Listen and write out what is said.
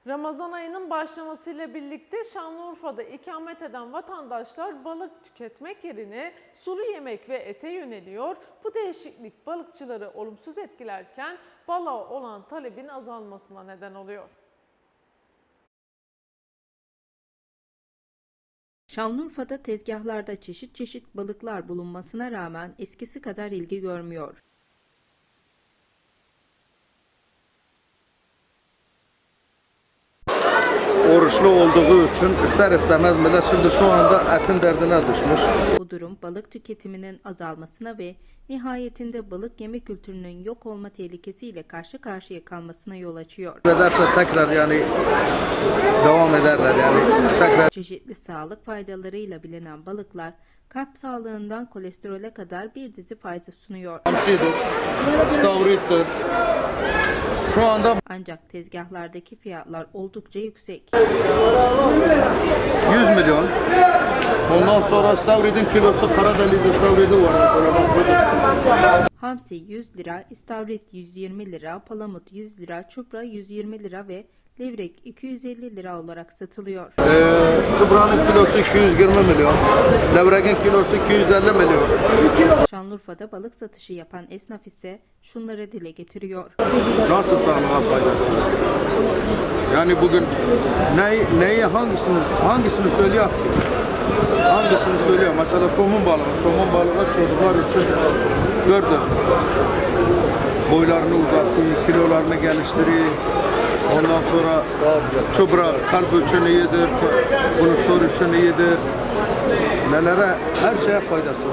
Ramazan ayının başlamasıyla birlikte Şanlıurfa'da ikamet eden vatandaşlar balık tüketmek yerine sulu yemek ve ete yöneliyor. Bu değişiklik balıkçıları olumsuz etkilerken balığa olan talebin azalmasına neden oluyor. Şanlıurfa'da tezgahlarda çeşit çeşit balıklar bulunmasına rağmen eskisi kadar ilgi görmüyor. Oruçlu olduğu için ister istemez millet şimdi şu anda etin derdine düşmüş. Bu durum balık tüketiminin azalmasına ve nihayetinde balık yeme kültürünün yok olma tehlikesiyle karşı karşıya kalmasına yol açıyor. Ederse tekrar yani devam ederler yani tekrar. Çeşitli sağlık faydalarıyla bilinen balıklar kalp sağlığından kolesterole kadar bir dizi fayda sunuyor. Hamsidir, istavrittir. Şu anda Ancak tezgahlardaki fiyatlar oldukça yüksek. 100 milyon. Ondan sonra istavritin kilosu Karadeniz istavridi var mesela bak burada. Hamsi 100 lira, istavrit 120 lira, palamut 100 lira, çupra 120 lira ve levrek 250 lira olarak satılıyor. Çuburanın kilosu 220 milyon. Levrekin kilosu 250 milyon. Şanlıurfa'da balık satışı yapan esnaf ise şunları dile getiriyor. Nasıl sağlığa faydası? Yani bugün neyi hangisini söylüyor? Hangisini söylüyor? Mesela somun balığı çocuklar için gördüm. Boylarını uzatıyor, kilolarını geliştiriyor. Ondan sonra çubra kalp için iyidir, kolesterol için iyidir. Nelere, her şeye faydası var.